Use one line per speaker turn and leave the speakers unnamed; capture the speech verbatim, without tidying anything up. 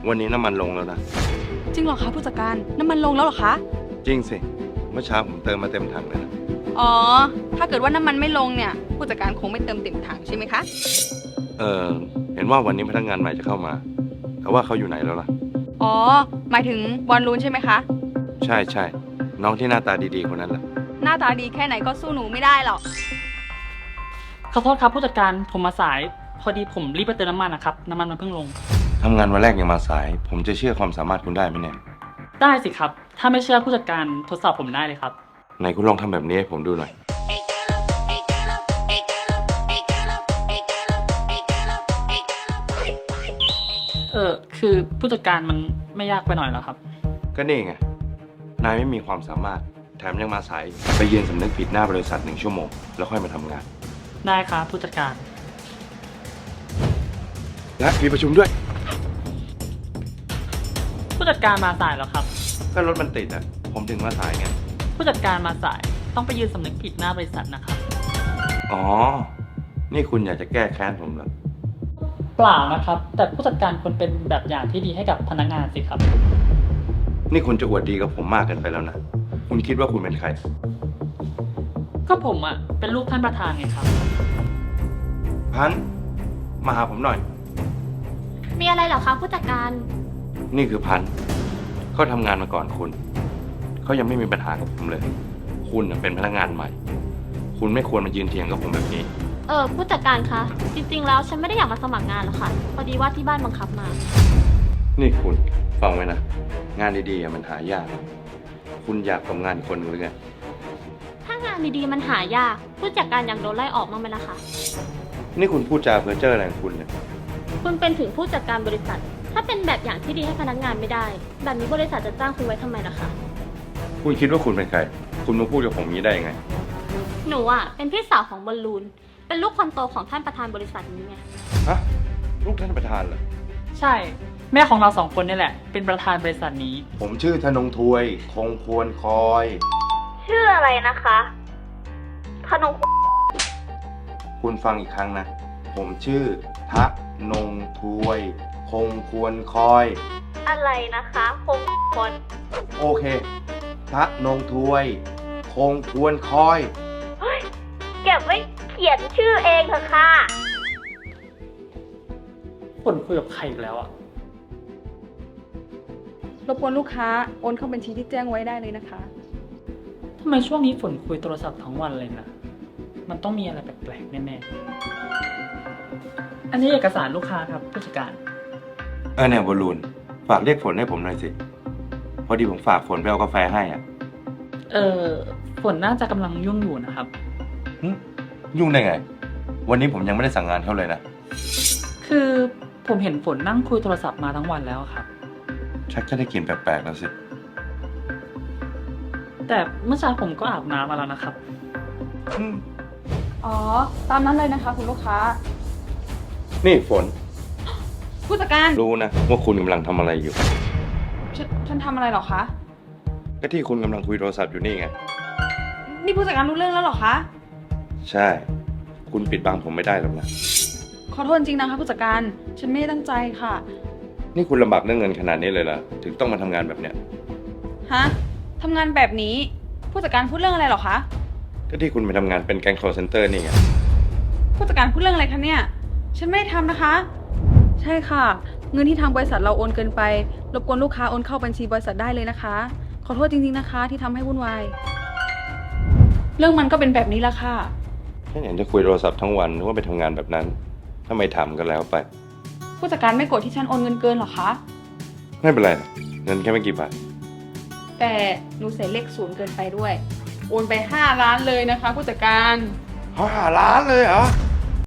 วันนี้น้ำมันลงแล้วนะ
จริงเหรอคะผู้จัดการน้ำมันลงแล้วเหรอคะ
จริงสิ เมื่อเช้าผมเติมมาเต็มถังเลยนะ
อ๋อถ้าเกิดว่าน้ำมันไม่ลงเนี่ยผู้จัดการคงไม่เติมเต็มถังใช่ไหมคะ
เออเห็นว่าวันนี้พนักงานใหม่จะเข้ามาแต่ว่าเขาอยู่ไหนแล้วล่ะ
อ๋อหมายถึงบอลลูนใช่ไหมคะ
ใช่ใช่น้องที่หน้าตาดีๆคนนั้นแหละ
หน้าตาดีแค่ไหนก็สู้หนูไม่ได้หรอก
ขอโทษครับผู้จัดการผมมาสายพอดีผมรีบไปเติมน้ำมันนะครับน้ำมันมันเพิ่งลง
ทำงานวันแรกยังมาสาย ผมจะเชื่อความสามารถคุณได้ไหมเนี่ย
ได้สิครับถ้าไม่เชื่อผู้จัดการทดสอบผมได้เลยครับ
ไหนคุณลองทำแบบนี้ให้ผมดูหน่อย
เออคือผู้จัดการมันไม่ยากไปหน่อยเหรอครับ
ก็นี่ไง นายไม่มีความสามารถ แถมยังมาสาย ไปยืนสำนึกผิดหน้าบริษัทหนึ่งชั่วโมง แล้วค่อยมาทำงาน
ได้ครับผู้จัดการ
และมีประชุมด้วย
ผู้จัดการมาสายแล้วครับ
ก็รถมันติดอ่ะ ผมถึงมาสายไง
ผู้จัดการมาสายต้องไปยืนสำนึกผิดหน้าบริษัทนะครับ
อ๋อ นี่คุณอยากจะแก้แค้นผมเหรอ
เปล่านะครับ แต่ผู้จัดการควรเป็นแบบอย่างที่ดีให้กับพนักงานสิครับ
นี่คุณจะอวดดีกับผมมากเกินไปแล้วนะ คุณคิดว่าคุณเป็นใคร
ก็ผมอ่ะเป็นลูกท่านประธานไงครับ
พันธุ์มาหาผมหน่อย
มีอะไรเหรอคะผู้จัดการ
นี่คือพันธุ์เขาทำงานมาก่อนคุณ เขายังไม่มีปัญหากับผมเลย คุณน่ะเป็นพนักงานใหม่ คุณไม่ควรมายืนเถียงกับผมแบบนี้
เออผู้จัดการคะ จริงๆแล้วฉันไม่ได้อยากมาสมัครงานหรอกค่ะ พอดีว่าที่บ้านบังคับมา
นี่คุณฟังไว้นะ งานดีๆอ่ะมันหายาก คุณอยากทำงานอีกคนหรือไง
ถ้างานดีๆมันหายาก ผู้จัดการอยากโดนไล่ออกมั้างไหมล่ะคะ
นี่คุณพูดจาเพ้อเจ้ออะไรของคุณเนี่ย
คุณเป็นถึงผู้จัดการบริษัท ถ้าเป็นแบบอย่างที่ดีให้พนักงานไม่ได้ แบบนี้บริษัทจะจ้างคุณไว้ทำไมล่ะคะ
คุณคิดว่าคุณเป็นใคร คุณมาพูดกับผมอย่างนี้ได้ยังไง
หนูอ่ะเป็นพี่สาวของบอลลูน เป็นลูกคนโตของท่านประธานบริษัทนี้ไง
ฮะ ลูกท่านประธานเหรอ
ใช่ แม่ของเราสองคนนี่แหละ เป็นประธานบริษัทนี้
ผมชื่อธนงทวย คงควรคอย
ชื่ออะไรนะคะพนง
คุณฟังอีกครั้งนะ ผมชื่อทะนงทวย คงควรคอย
อะไรนะคะคงคน
โอเค ทะนงทวย คงควรคอย
เก็บไว้เขียนชื่อเองเถอะค่ะ
ฝนคุยกับใครอีกแล้วอ่ะ
รบกวนลูกค้าโอนเข้าบัญชีที่แจ้งไว้ได้เลยนะคะ
ทำไมช่วงนี้ฝนคุยโทรศัพท์ทั้งวันเลยนะ มันต้องมีอะไรแปลกๆแน่ๆ อันนี้เอกสารลูกค้าครับผู้จัดการ
เออเนี่ยบอลลูน ฝากเรียกฝนให้ผมหน่อยสิ พอดีผมฝากฝนไปเอากาแฟให้อ่ะ
เออฝนน่าจะกำลังยุ่งอยู่นะครับ
หึยุ่งได้ไง วันนี้ผมยังไม่ได้สั่งงานเขาเลยนะ
คือผมเห็นฝนนั่งคุยโทรศัพท์มาทั้งวันแล้วครับ
ชักจะได้กลินแปลกๆแล้วสิ
แต่เมื่อเช้าผมก็อาบน้ำมาแล้วนะครับ
อืม
อ๋อตามนั้นเลยนะคะคุณลูกค้า
นี่ฝน
ผู้จัดการ
รู้นะว่าคุณกำลังทำอะไรอยู่
ฉันฉันทำอะไรเหรอคะ
ก็ที่คุณกำลังคุยโทรศัพท์อยู่นี่ไง
นี่ผู้จัดการรู้เรื่องแล้วเหรอคะ
ใช่ คุณปิดบังผมไม่ได้หรอกนะ
ขอโทษจริงนะคะผู้จัดการ ฉันไม่ได้ตั้งใจค่ะ
นี่คุณลำบากเรื่องเงินขนาดนี้เลยเหรอ ถึงต้องมาทำงานแบบเนี้ย
ฮะทำงานแบบนี้ ผู้จัดการพูดเรื่องอะไรเหรอคะ
ก็ที่คุณไปทำงานเป็นแก๊ง call center นี่ไง
ผู้จัดการพูดเรื่องอะไรคะเนี่ย ฉันไม่ได้ทำนะคะ ใช่ค่ะ เงินที่ทางบริษัทเราโอนเกินไป รบกวนลูกค้าโอนเข้าบัญชีบริษัทได้เลยนะคะ ขอโทษจริงๆนะคะ ที่ทำให้วุ่นวาย เรื่องมันก็เป็นแบบนี้ละค่ะ
ฉันเห็นจะคุยโทรศัพท์ทั้งวันนึกว่าไปทำงานแบบนั้น ถ้าไม่ทำก็แล้วไป
ผู้จัดการไม่โกรธที่ฉันโอนเงินเกินหรอคะ
ไม่เป็นไรหรอกเงินแค่ไม่กี่บาท
แต่หนูใส่เลขศูนย์เกินไปด้วย โอนไปห้าล้านเลยนะคะ ผู้จัดการ
ห้าล้านเลยเหรอ